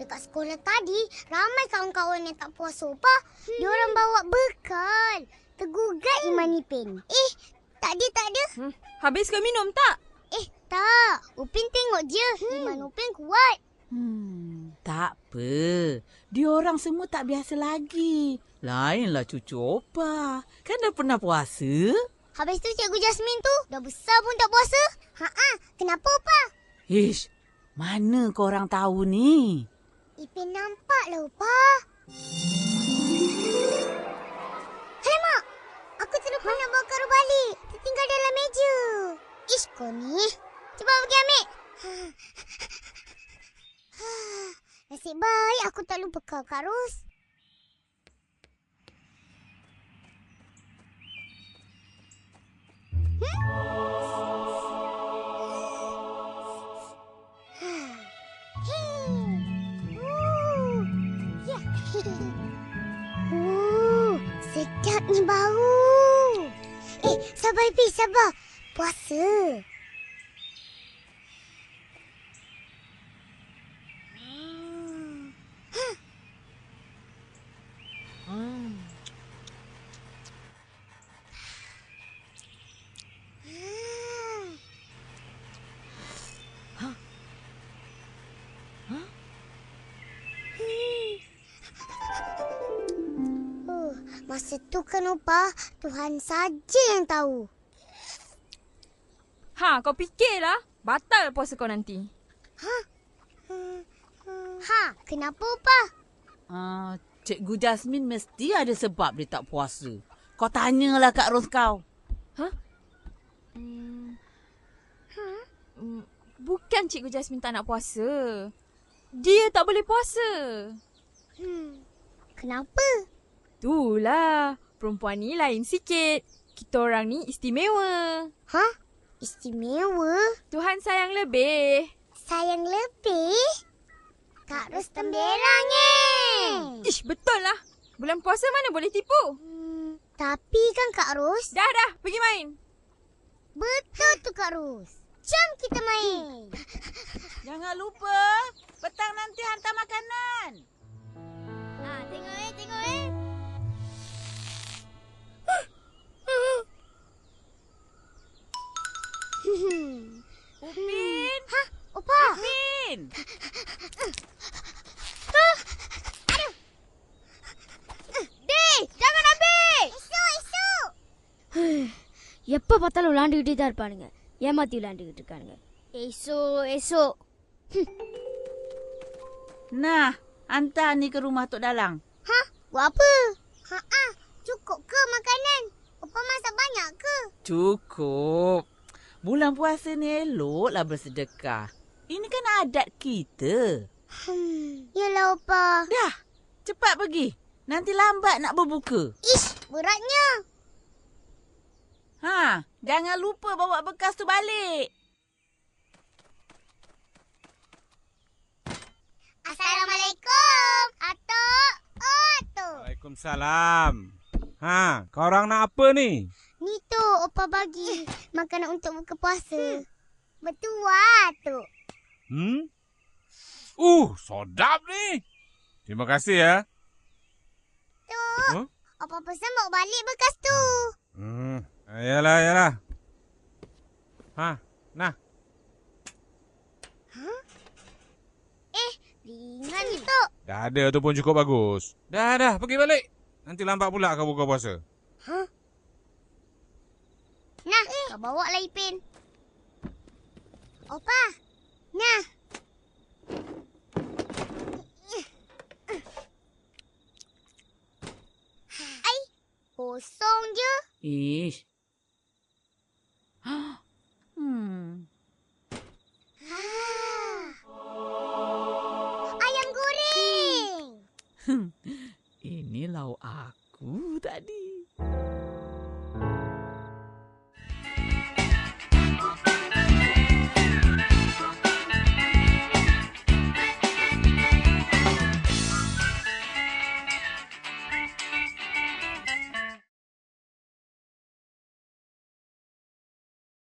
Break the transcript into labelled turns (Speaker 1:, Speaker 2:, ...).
Speaker 1: Dekat sekolah tadi, ramai kawan-kawan yang tak puasa, Opah. Diorang bawa bekal. Tergugat Iman Ipin. Tak ada.
Speaker 2: Habis kau minum tak?
Speaker 1: Tak. Upin tengok je. Iman Upin kuat.
Speaker 3: Tak apa. Diorang semua tak biasa lagi. Lainlah cucu Opah. Kan dah pernah puasa.
Speaker 1: Habis tu Cikgu Jasmine tu dah besar pun tak puasa. Kenapa, Opah?
Speaker 3: Ish, mana korang tahu ni?
Speaker 1: Ipin nampak lah, Opah. Hai, Mak. Aku terlupa nak bawa karung balik. Tertinggal dalam meja. Ish, kau ni. Cuba pergi ambil. Nasib baik aku tak lupa Kak Ros. Sedap ni bau. Sabar Ipin, sabar. Puasa. Masa tu kan, Opah, Tuhan saja yang tahu.
Speaker 2: Kau fikirlah. Batal puasa kau nanti.
Speaker 1: Kenapa, Opah?
Speaker 3: Cikgu Jasmine mesti ada sebab dia tak puasa. Kau tanyalah Kak Ros kau.
Speaker 2: Bukan Cikgu Jasmine tak nak puasa. Dia tak boleh puasa.
Speaker 1: Kenapa?
Speaker 2: Itulah. Perempuan ni lain sikit. Kita orang ni istimewa.
Speaker 1: Istimewa?
Speaker 2: Tuhan sayang lebih.
Speaker 1: Sayang lebih? Kak Ros temberangnya.
Speaker 2: Ish, betul lah. Bulan puasa mana boleh tipu?
Speaker 1: Tapi kan Kak Ros.
Speaker 2: Dah. Pergi main.
Speaker 1: Betul tu Kak Ros. Jom kita main.
Speaker 3: Jangan lupa, petang nanti hantar makanan.
Speaker 1: Tengok.
Speaker 3: Upin.
Speaker 1: Opah.
Speaker 3: Upin.
Speaker 1: Jangan ambil. Esok.
Speaker 4: எப்போ பார்த்தாலும் விளாண்டுக்கிட்டே தான் இருப்பானுங்க. ஏமாத்தி விளாண்டுக்கிட்டு இருக்கானுங்க. Esok.
Speaker 3: Nah, hantar ni ke rumah Tok Dalang.
Speaker 1: Buat apa? Cukup ke makanan? Opah masak banyak ke?
Speaker 3: Cukup. Bulan puasa ni eloklah bersedekah. Ini kan adat kita.
Speaker 1: Yalah, Opah.
Speaker 3: Dah, cepat pergi. Nanti lambat nak berbuka.
Speaker 1: Ish, beratnya.
Speaker 3: Jangan lupa bawa bekas tu balik.
Speaker 1: Assalamualaikum. Atuk.
Speaker 5: Waalaikumsalam. Korang nak apa ni?
Speaker 1: Ni tu Opah bagi makanan untuk buka puasa. Betul, Tuk.
Speaker 5: Sedap ni. Terima kasih ya.
Speaker 1: Tuk, Opah pesan bawa balik bekas tu.
Speaker 5: Yalah. Nah.
Speaker 1: Ringan ni, Tuk.
Speaker 5: Dah ada tu pun cukup bagus. Dah, pergi balik. Nanti lambat pula kau buka puasa.
Speaker 1: Nah, kau bawa lah Ipin. Opah, nah. Kosong je.
Speaker 3: Ish.
Speaker 1: Ayam goreng.
Speaker 3: Ini lauk aku tadi.